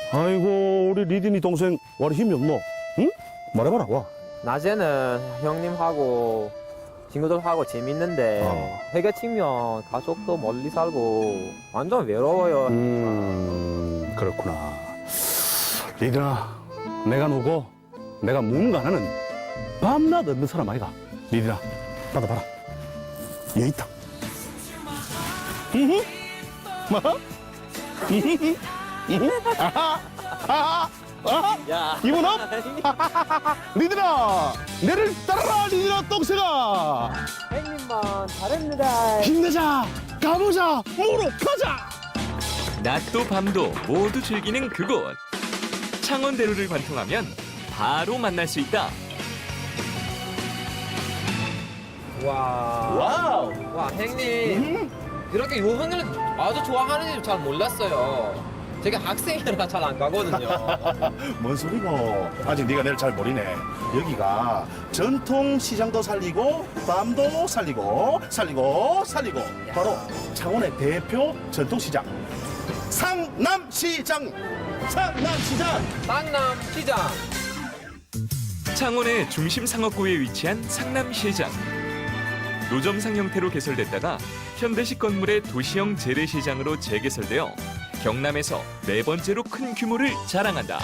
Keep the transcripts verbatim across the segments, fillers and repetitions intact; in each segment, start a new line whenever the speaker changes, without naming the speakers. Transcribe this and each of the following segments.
아이고 우리 리딘이 동생 와리 힘이 없노? 응? 말해봐라 와.
낮에는 형님하고 친구들하고 재밌는데
어.
해가 치면 가족도 멀리 살고 완전 외로워요.
음 그렇구나. 리딘아 내가 누구? 내가 뭔가는 밤낮 없는 사람 아이가. 리딘아 받아봐라. 얘 있다. 히히 뭐? 히히히 히히 아하 아하 아하
야.
기분 업? 리드라 내를 따라라 리드라 똥새가
형님만 잘했습니다.
힘내자 가보자 모로 가자.
낮도 밤도 모두 즐기는 그곳. 창원대로를 관통하면 바로 만날 수 있다.
와.
와우
와, 형님. 이렇게 요번을 아주 좋아하는 줄 잘 몰랐어요. 제가 학생이라 잘 안 가거든요.
뭔 소리고 아직 네가 내를 잘 모르네. 여기가 전통 시장도 살리고 밤도 살리고 살리고 살리고 바로 창원의 대표 전통 시장 상남시장 상남시장.
상남 시장.
창원의 중심 상업구에 위치한 상남시장. 노점상 형태로 개설됐다가 현대식 건물의 도시형 재래시장으로 재개설되어 경남에서 네 번째로 큰 규모를 자랑한다.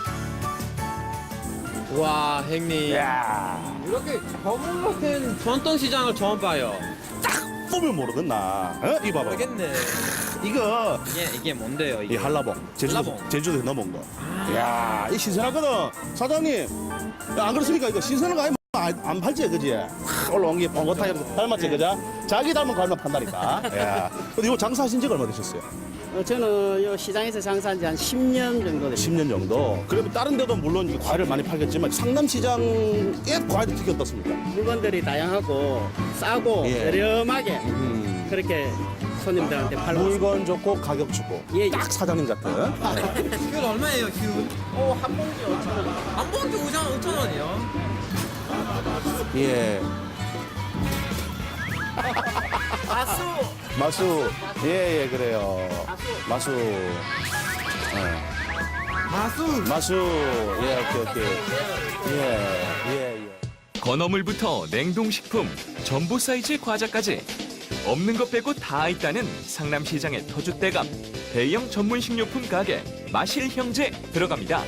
와, 형님.
야
이렇게 건물 같은 전통 시장을 처음 봐요.
보면 모르겠나? 어? 이거 봐봐.
모르겠네.
이거
이게 이게 뭔데요?
이
이게?
한라봉 제주도
한라봉.
제주도에 넘어온 거. 야, 이 신선하거든. 사장님, 야, 안 그렇습니까? 이거 신선한 거 아니면 안, 안 팔지, 그지? 하, 올라온 게 뻥긋하게 닮았지, 그죠? 자기 닮은 거 알면 판다니까. 야, 근데 이거 장사하신 지가 얼마 되셨어요?
어, 저는 요 시장에서 장사한 지 한 십 년 정도 됐습니다.
십 년 정도. 그러면 다른 데도 물론 이 과일을 많이 팔겠지만 상남시장에 과일도 특히 어떻습니까?
물건들이 다양하고 싸고
예.
저렴하게
음.
그렇게 손님들한테 팔고 있습니다.
물건 좋고 가격 좋고.
예, 예.
딱 사장님 같은.
귤 얼마예요, 귤? 어, 한 봉지 오천 원. 한 봉지 오천 원이요?
예.
가수.
마수. 예, 예, 그래요. 마수. 예.
마수.
마수. 예, 오케이, 오케이. 예, 예, 예.
건어물부터 냉동식품, 전부 사이즈의 과자까지 없는 것 빼고 다 있다는 상남시장의 터줏대감 대형 전문 식료품 가게 마실 형제 들어갑니다.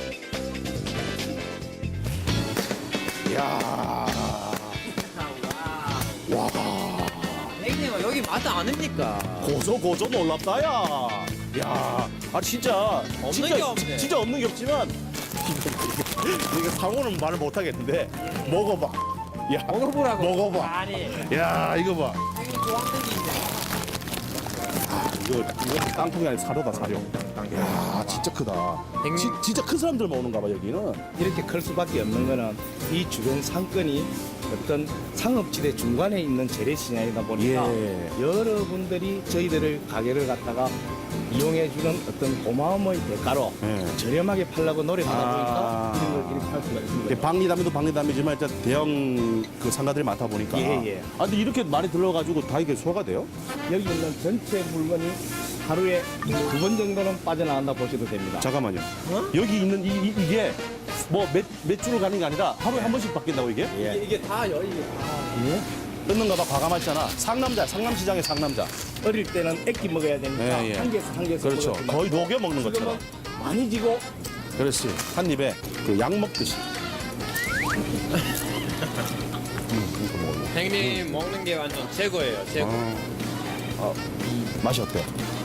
야. 와.
형님, 여기 맛 아닙니까?
고소 고소 놀랍다 야. 야. 아 진짜
없는
진짜,
게 없네.
진짜 없는 게 없지만 이게 상호는 말을 못 하겠는데 먹어봐. 야.
먹어보라고.
먹어봐.
아니.
야, 이거 봐.
형님 좋아하는 게 있네.
이거 이거 땅콩이 아니라 사료다 사료. 야, 진짜 크다.
형님.
지, 진짜 큰 사람들만 오는가 봐 여기는.
이렇게 클 수밖에 없는 거는 이 주변 상권이 어떤 상업지대 중간에 있는 재래시장이다 보니까
예.
여러분들이 저희들을 가게를 갖다가 이용해주는 어떤 고마움의 대가로
예.
저렴하게 팔라고 노력하다
아.
보니까 이런 걸 이렇게 팔 수가 있습니다.
방리담에도 방리담이지만 일단 대형 그 상가들이 많다 보니까.
예, 예.
아 근데 이렇게 많이 들러가지고 다 이게 소화가 돼요?
여기 있는 전체 물건이 하루에 두 번 정도는 빠져나간다 보셔도 됩니다.
잠깐만요. 여기 있는 이, 이, 이게 뭐 몇 몇 주를 가는 게 아니라 하루에 한 번씩 바뀐다고 이게?
예.
이게 다요, 이게 다.
끊는가 봐 과감하잖아. 상남자, 상남시장의 상남자.
어릴 때는 액기 먹어야 되니까
예, 예.
한 개씩 한 개씩
그렇죠.
먹었지만
거의 녹여 먹는 것처럼.
지금은 많이 지고
그렇지. 한 입에 그 약 먹듯이. 음, 이거 먹어요.
형님 먹는 게 완전 최고예요, 최고.
아, 맛이 어때?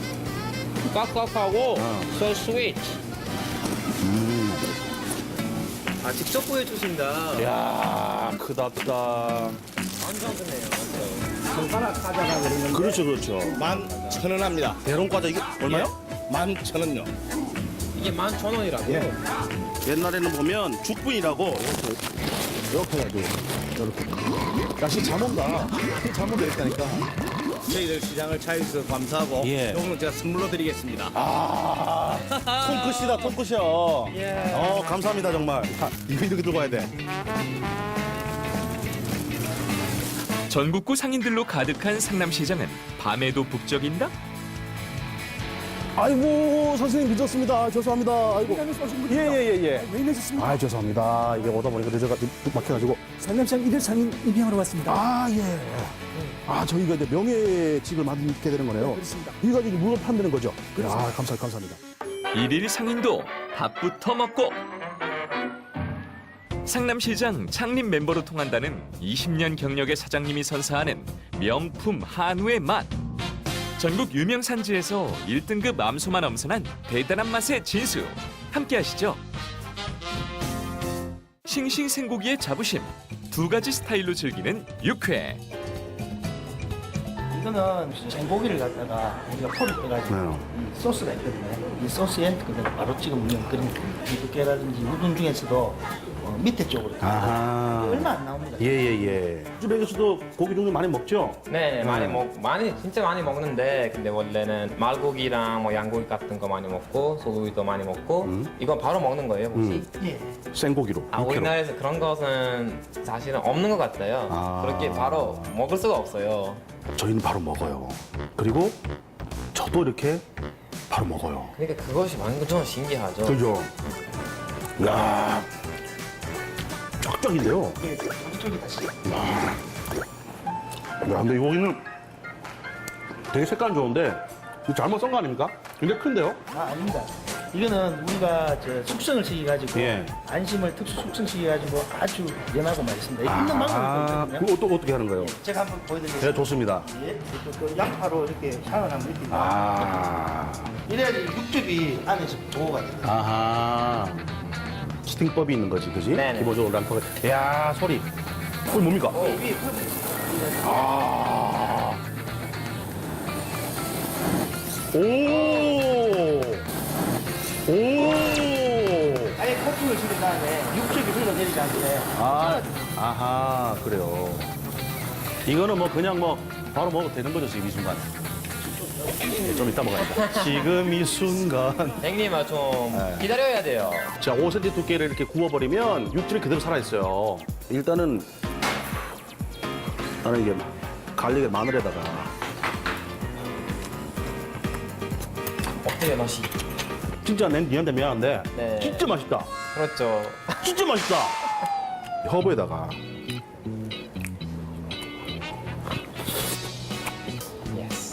꽉꽉하고
어.
so sweet.
음.
아, 직접 보여주신다.
야, 크다 크다.
완전 크네요, 완전.
손가락 찾아가 그러는데
그렇죠, 그렇죠.
만 천 원 합니다.
대롱 과자 이게 얼마요?
만 천 원요.
이게 만 천 원이라고?
예.
옛날에는 보면 죽분이라고 이렇게 이렇게 해가지고 이렇게. 야씨 잘 먹다. 잘 먹겠다니까.
저희들 시장을 찾아주셔서 감사하고
예.
요거는 제가 선물로 드리겠습니다.
아, 손끝이다, 손끝이야.
예.
어, 감사합니다, 정말. 아, 이거 이렇게 들고 가야 돼.
전국구 상인들로 가득한 상남시장은 밤에도 북적인다?
아이고 선생님 늦었습니다. 죄송합니다. 아이고. 예예예 예.
왜 이러셨습니까?
아 죄송합니다. 이게 오다 보니까 늦어가 막혀가지고.
상남시장 일일 상인 임명하러 왔습니다.
아 예. 아 저희가 이제 명예직을 맡게 되는 거네요.
그렇습니다.
이거 가지고 물건 판다는 거죠. 아 감사 감사합니다.
일일 상인도 밥부터 먹고 상남시장 창립 멤버로 통한다는 이십 년 경력의 사장님이 선사하는 명품 한우의 맛. 전국 유명 산지에서 일 등급 암소만 엄선한 대단한 맛의 진수. 함께 하시죠. 싱싱생고기의 자부심. 두 가지 스타일로 즐기는 육회.
이거는 생고기를 갖다가 우리가 포를 떠가지고
네.
이 소스가 있거든요. 이 소스에 그대로 바로 찍으면 그런 두께라든지 우둔 중에서도 어, 밑에 쪽으로
아하.
얼마 안 나옵니다.
예예예. 우즈벡에서도 고기 종류 많이 먹죠?
네, 많이
음.
먹 많이 진짜 많이 먹는데 근데 원래는 말고기랑 뭐 양고기 같은 거 많이 먹고 소고기도 많이 먹고
음.
이건 바로 먹는 거예요 혹시?
예.
생고기로.
아
육회로.
우리나라에서 그런 것은 사실은 없는 것 같아요.
아.
그렇게 바로 먹을 수가 없어요.
저희는 바로 먹어요. 그리고 저도 이렇게 바로 먹어요.
그러니까 그것이 완전 신기하죠.
그죠? 야, 쫙쫙인데요.
예, 저쪽이 다시.
야, 근데 이 고기는 되게 색깔 좋은데 이거 잘못 썬 거 아닙니까? 굉장히 큰데요?
아, 아닙니다. 이거는 우리가 저 숙성을 시켜가지고
예.
안심을 특수 숙성 시켜가지고 아주 연하고 맛있습니다. 이거 있는 방법이 있거든요.
그거 또 어떻게 하는 거예요?
제가 한번
네,
보여드리겠습니다.
좋습니다.
예, 그, 그 양파로 이렇게 향을 한번 이렇게
아,
이래야지 육즙이 안에서 보호가 돼요.
아하. 스팅법이 있는 거지, 그지?
네네.
기본적으로 랑파가. 야, 소리. 소리 뭡니까?
위에
아. 오. 오.
아예 코팅을 시킨 다음에 육즙이 흘러내리지 않게
아, 아하, 그래요. 이거는 뭐 그냥 뭐 바로 먹어도 되는 거죠, 지금 이 순간. 좀 이따 먹어야겠다. 지금 이 순간.
형님아 좀
네.
기다려야 돼요.
자, 오 센티미터 두께를 이렇게 구워버리면 육즙이 그대로 살아있어요. 일단은 나는 이게 갈릭에 마늘에다가
어때요 맛이?
진짜 내 니한테 미안한데
네.
진짜 맛있다.
그렇죠.
진짜 맛있다. 허브에다가
예스.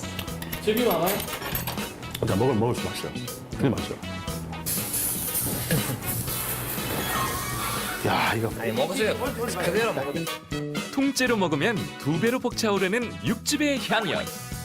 자, 먹을 먹을 수 맛있어요. 되게 맛있어요. 야, 이거
아니 먹으세요. 그대로 먹어.
통째로 먹으면 두 배로 벅차오르는 육즙의 향연.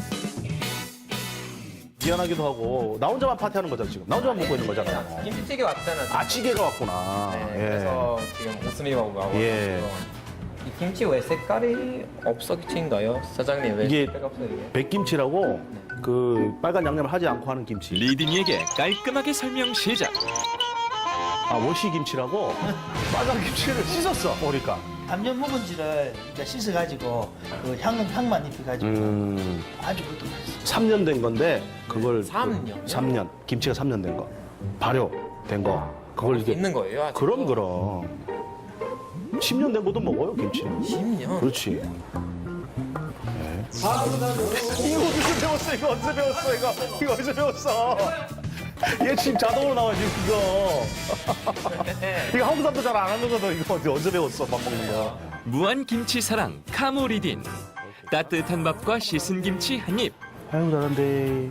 미안하기도 하고 나 혼자만 파티하는 거잖아 지금. 나 혼자만 먹고 있는 거잖아.
김치찌개 왔잖아. 지금.
아, 찌개가 왔구나.
네,
예.
그래서 지금 웃음이 나고 나고.
예.
이 김치 왜 색깔이 없어진가요? 사장님 왜
이게
색깔이 없어 이게?
백김치라고 그 빨간 양념을 하지 않고 하는 김치.
리딩에게 깔끔하게 설명 시작.
아, 워시김치라고 빨간 김치를 씻었어. 그러니까.
담요 묵은지를 이제 씻어가지고 그 향은 향만 입혀가지고
음.
아주 그것도 맛있어요.
삼 년 된 건데 그걸
삼 년이요?
삼 년. 김치가 삼 년 된 거. 발효된 거. 그걸 이게
있는 거예요? 아직도?
그럼 그럼. 십 년 된 것도 먹어요, 김치는.
십 년?
그렇지. 네. 이거 어디서 배웠어? 이거 어디서 배웠어? 이거 이거 어디서 배웠어? 얘 지금 자동으로 나와 지금 이거. 이거 한국 사람도 잘 안 하는 거거든. 이거 어디 어디서 배웠어? 밥 먹는 거.
무한 김치 사랑 카모 리딘. 따뜻한 밥과 씻은 김치 한 입.
아이고 잘한데.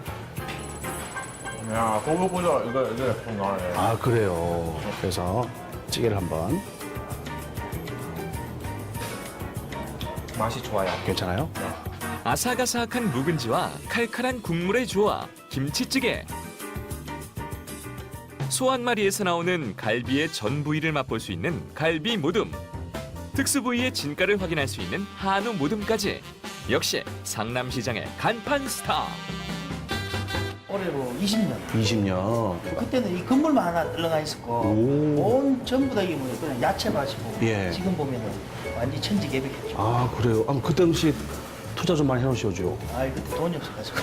야 꼬불꼬불 이거 이거 나네.
아 그래요. 그래서 찌개를 한번.
맛이 좋아요.
괜찮아요?
아삭아삭한 묵은지와 칼칼한 국물의 조화 김치찌개. 소 한 마리에서 나오는 갈비의 전 부위를 맛볼 수 있는 갈비 모듬. 특수 부위의 진가를 확인할 수 있는 한우 모듬까지. 역시 상남시장의 간판 스타.
올해로 이십 년.
이십 년.
그때는 이 건물만 하나 들러가 있었고
오.
온 전부 다 이게 뭐 그냥 야채밭이고
예.
지금 보면은 완전 천지개벽했죠.
아 그래요. 아, 그 당시 투자 좀 많이 해놓으시죠.
아 그때 돈이 없어가지고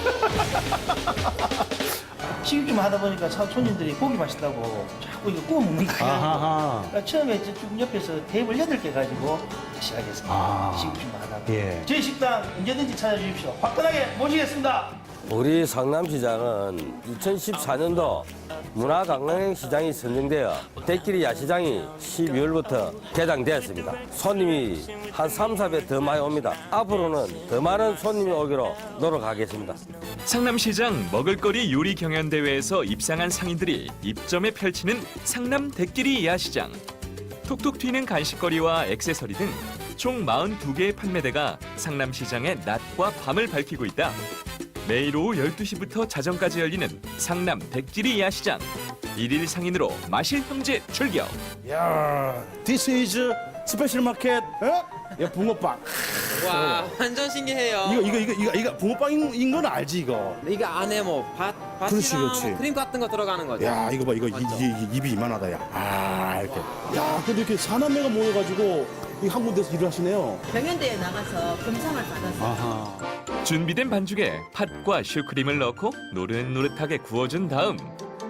시집 좀 하다 보니까 사- 손님들이 고기 맛있다고 자꾸 이거 구워 먹니까
아하하.
그러니까 처음에 쭉 옆에서 테이블 여덟 개 가지고 시작했습니다.
아.
시집 좀 하다가
예.
저희 식당 언제든지 찾아주십시오. 화끈하게 모시겠습니다.
우리 상남시장은 이천십사 년도 문화관광시장이 선정되어 대끼리 야시장이 십이월부터 개장되었습니다. 손님이 한 삼, 사 배 더 많이 옵니다. 앞으로는 더 많은 손님이 오기로 노력하겠습니다.
상남시장 먹을거리 요리 경연대회에서 입상한 상인들이 입점에 펼치는 상남 대끼리 야시장. 톡톡 튀는 간식거리와 액세서리 등 총 사십이 개의 판매대가 상남시장의 낮과 밤을 밝히고 있다. 매일 오후 열두 시부터 자정까지 열리는 상남 대끼리 야시장. 일일 상인으로 마실 형제 출격.
야, this is 스페셜 마켓. 어? 야, 붕어빵.
와 완전 신기해요.
이거 이거 이거 이거 이거 붕어빵인 건 알지 이거.
이게 안에 뭐 밭,
그렇지,
밭이랑
그렇지.
뭐 크림 같은 거 들어가는 거죠.
야, 이거 봐 이거 이, 이, 이, 입이 이만하다 야. 아, 이렇게. 야, 근데 이렇게 사남매가 모여가지고 이 한 군데서 일을 하시네요.
경연대회 나가서 금상을 받았어요.
아하.
준비된 반죽에 팥과 슈크림을 넣고 노릇노릇하게 구워준 다음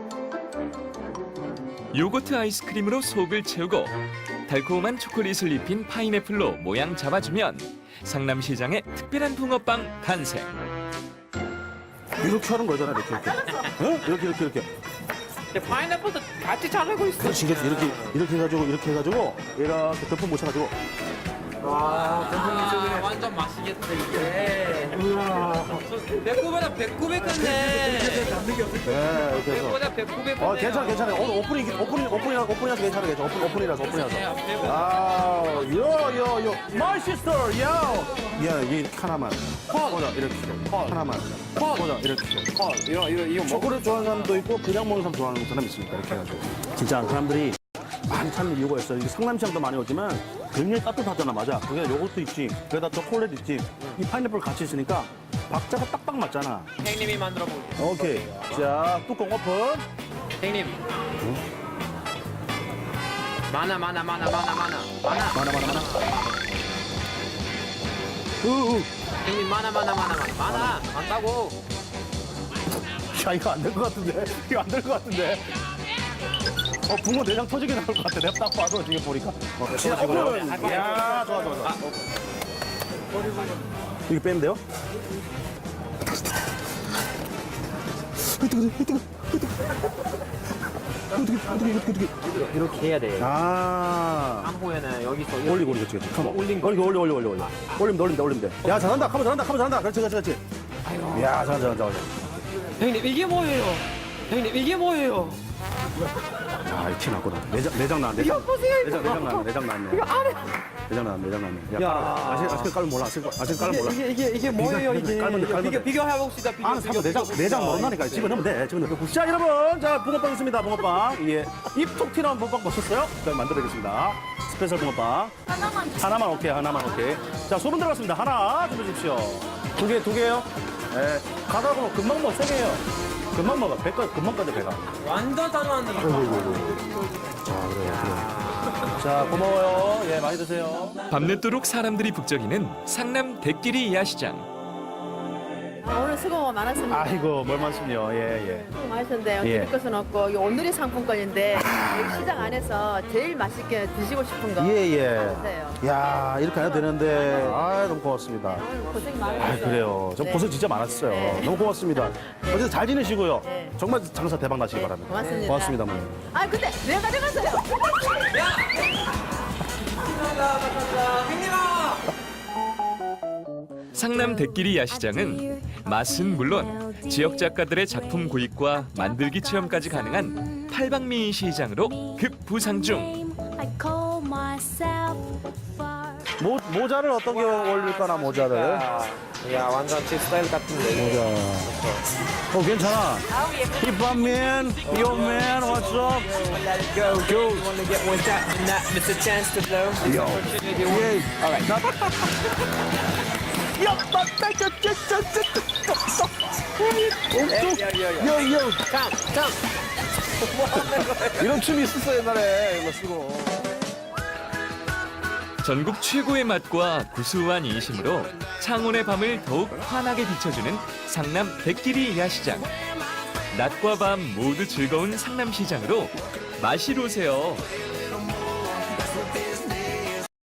요거트 아이스크림으로 속을 채우고 달콤한 초콜릿을 입힌 파인애플로 모양 잡아주면 상남시장의 특별한 붕어빵 탄생.
이렇게 하는 거잖아 이렇게 이렇게. 어? 이렇게 이렇게 이렇게.
파인애플도 같이 자르고 있어.
그렇지 이렇게 이렇게 이렇게 해가지고 이렇게 해가지고 이렇게 덮어 묻혀가지고.
와, 아, 완전 맛있겠다 이게. 배꼽보다 배꼽이 크네.
네, 이렇게 해서.
배꼽보다 배꼽이 크네.
어, 괜찮아, 괜찮아. 오늘 오프닝, 오프닝, 오프닝이라서, 오프닝이라서 괜찮아, 괜찮아. 오픈, 오프닝이라서, 오프닝이라서. 아, 요, 요, 요. My sister, yo. 야, 얘 이렇게 하나만. 보자, 이렇게. 하나만. 보자, 이렇게.
이거 이거 이거
초콜릿 좋아하는 사람도 있고, 그냥 먹는 사람 좋아하는 사람 있습니까? 이렇게 해가지고. 진짜 사람들이 많이 찾는 이유가 있어요. 이게 상남시장도 많이 오지만 굉장히 따뜻하잖아, 맞아. 그게 요것도 있지. 거기다 초콜릿 있지. 이 파인애플 같이 있으니까 박자가 딱딱 맞잖아.
형님이 만들어 볼게요.
오케이. 자, 뚜껑 오픈.
형님. 많아 많아 많아 많아 많아 많아.
많아, 많아, 많아. 우우.
형님 많아 많아 많아 많아 많아 많다고.
야, 이거 안 될 것 같은데? 이거 안 될 것 같은데? 어, 붕어 내장 터지게 나올 것 같아. 내가 딱 봐도 지금 보니까. 어, 진짜 오픈! 야, 좋아, 좋아, 좋아. 이거 빼면 돼요? 어떡해, 어떡해, 어떡해, 어떡해, 어떡해.
이렇게 해야 돼.
아.
한 후에는 여기서
올리고, 올리고, 그렇지, 그렇지. 컴온. 올린 거. 올리고, 올려, 올려, 올려, 올려. 올리면 돼, 올리면 돼, 올리면 돼. 야, 잘한다. 카모 잘한다, 카모 잘한다. 그렇지, 그렇지, 그렇지. 야, 잘한다, 잘한다, 잘한다.
형님 이게 뭐예요? 형님 이게 뭐예요?
아, 티 났구나. 내장, 내장 나왔네. 이거 보세요, 내장, 내장 나왔네, 내장 나왔네. 이거 안에. 내장 나왔네, 내장 나왔네. 야, 깔아. 아직, 아직 깔면 몰라. 아직, 아직 깔면 몰라.
이게 이게 이게 뭐예요 이게?
깔면 돼, 깔면
비교
돼.
비교해 봅시다. 비교.
안에 사면 내장, 내장 모른다니까. 집어넣으면 돼, 집어넣으면 돼. 자, 여러분. 자, 붕어빵 있습니다, 붕어빵. 예. 입톡 튀는 붕어빵 보셨어요? 자, 만들어드리겠습니다. 스페셜 붕어빵. 하나만. 하나만, 오케이, 하나만, 오케이. 자, 소금 들어갔습니다. 하나 준비해 주십시오. 두 개, 두 개요? 예. 가다 보면 금방 먹어, 세 개요. 금방 먹어. 배가, 금방 까져, 배가.
완전 단호한데.
자, 그래요, 그래요. 자, 고마워요. 예, 많이 드세요.
밤늦도록 사람들이 북적이는 상남 대끼리 야시장.
오늘 수고 많았습니다.
아이고, 뭘 말씀요. 예, 예.
수고 많으셨는데
예.
드릴 것은 없고 이 오늘의 상품권인데 여기 시장 안에서 제일 맛있게 드시고 싶은 거
예, 예.
받으세요.
야, 이렇게 해야 되는데. 아, 너무 고맙습니다.
오늘 고생
아,
많으셨어요.
그래요. 저
네.
고생 진짜 많았어요.
네.
너무 고맙습니다. 어쨌든 잘 지내시고요.
네.
정말 장사 대박 나시기 바랍니다.
고맙습니다.
고맙습니다, 어머니.
아 근데 왜 가져갔어요?
상남 대끼리 야시장은 맛은 물론 지역 작가들의 작품 구입과 만들기 체험까지 가능한 팔방미인 시장으로 급부상 중.
모, 모자를 어떤 게 어울릴까나, 모자를.
야 완전 제 스타일 같은데.
모자. 어, 괜찮아. 힙합맨, 요맨, what's up?
Let it go, go. You wanna get one shot and not miss a chance to blow.
Yo. 예.
Alright.
나... 야, 맞다, 저, 저, 저, 저, 저, 저, 저. 요, 요.
Come, come.
이런 춤이 있었어, 옛날에. 이거 쓰고.
전국 최고의 맛과 구수한 인심으로 창원의 밤을 더욱 환하게 비춰주는 상남 대끼리 야시장. 낮과 밤 모두 즐거운 상남시장으로 마시러 오세요.